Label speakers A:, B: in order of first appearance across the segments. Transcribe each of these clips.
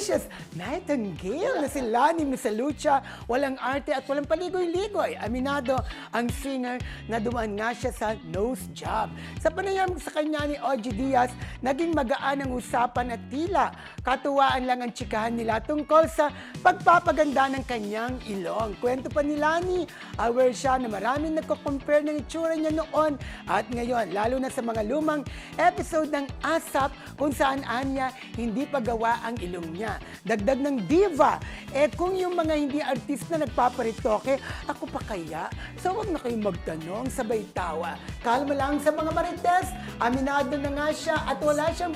A: precious nightingale na si Lani Misalucha, walang arte at walang paligoy-ligoy. Aminado ang singer na dumaan nga siya sa nose job. Sa panayam sa kanya ni Ogie Diaz, naging magaan ang usapan at tila katuwaan lang ang tsikahan nila tungkol sa pagpapaganda ng kanyang ilong. Kwento pa ni Lani, aware siya na maraming nagko-compare ng itsura niya noon at ngayon, lalo na sa mga lumang episode ng ASAP kung saan anya hindi pa gawa ang ilong niya. Dagdag ng diva, kung yung mga hindi artista nagpaparitoke, ako pa kaya? So wag na kayong magtanong, sabay tawa. Kalma lang sa mga marites, aminado na nga siya at wala siyang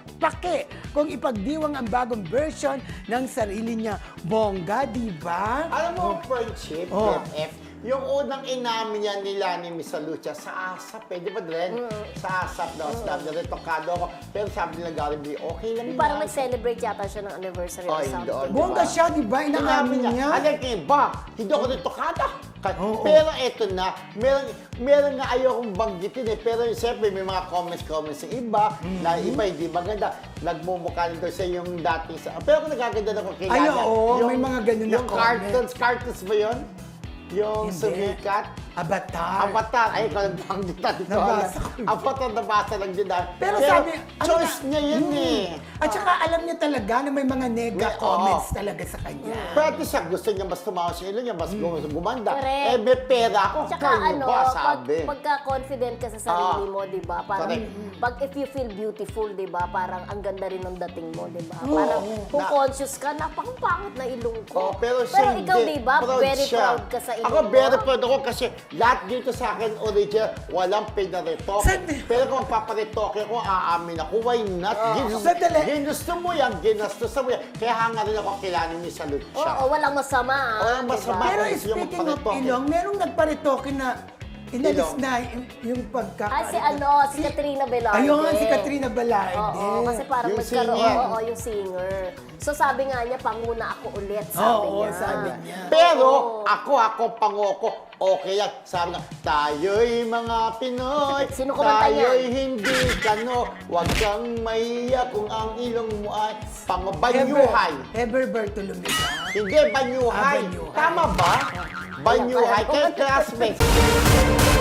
A: pake kung ipagdiwang ang bagong version ng sarili niya. Bongga, diba?
B: Alam mo, friendship, BFF, yung unang inamin niya nila ni Miss Lucia sa ASAP, di ba, Dren? Sa ASAP daw, sabi na rin, tokado ako. Pero sabi nila, Gary, okay lang
C: Parang
B: yan.
C: nag-celebrate yata siya ng anniversary or something.
B: doon.
A: Bongga siya, diba? Inaamin niya.
B: Alam kayo ba, hindi ako rin tokada. Pero eto na, meron nga ayokong banggitin pero siyempre may mga comments ng iba, na iba hindi maganda. Nagmumukha nito sa yung dating sa... Pero kung nagaganda na ko kilala.
A: Ay, oo, may mga ganun na
B: yung
A: comment.
B: cartoons ba yun? Yung
A: Hindi.
B: sumikat.
A: Avatar.
B: Ay, ikaw nagbanggita dito.
A: Nabasa ko.
B: Avatar, nabasa lang din.
A: Pero sabi,
B: choice niya yun eh.
A: At saka alam niya talaga na may mga nega
B: May-
A: comments talaga sa kanya.
B: Pwede siya, gusto niya mas tumawa sa ilo niya, mas gumanda.
C: Correct.
B: May pera ako.
C: Tsaka
B: Kayo
C: ano,
B: ba, sabi?
C: pagka-confident ka sa sarili mo, di ba? Parang,
B: Correct.
C: if you feel beautiful, di ba? Parang ang ganda rin ng dating mo, di ba? Parang kung conscious ka, napakapangit na ilong ko.
B: Pero siya
C: ikaw,
B: hindi.
C: di ba?
B: Proud
C: Very
B: siya.
C: proud ka sa ilong
B: Ako,
C: mo.
B: very proud ako kasi lahat dito sa akin original, walang pinaretoke.
A: Sandali.
B: Pero kung paparetoke ko, aamin ako, why not?
A: Sandali.
B: Ginusto mo yan, ginastusan mo yan. Kaya hanga rin ako kilala ni Salud siya.
C: Oo, walang masama.
B: Walang
C: di ba?
B: masama.
A: Pero
B: Yung
A: speaking of
B: paritoke.
A: ilong, merong nagparitoke na inalis
B: Ilong.
A: na yung pagka...
C: Si Katrina Velarde.
A: Ayun, si Katrina Velarde.
C: Oo, kasi parang
B: Yung
C: nagkaroon,
B: singer.
C: oo, yung singer. So sabi nga niya, panguna ako ulit, sabi
A: Oo,
C: niya.
A: sabi niya.
B: Pero ako, pangoko, okay yan. Sabi nga, tayo'y mga Pinoy,
C: Sino kumanta
B: tayo'y
C: niyan?
B: hindi kano, huwag kang mahiya kung ang ilong mo ay pangabanyuhay.
A: Heber Bartolome ba?
B: Hindi, banyuhay.
A: Banyuhay.
B: Tama ba? Banyuhay. Kaya classmates.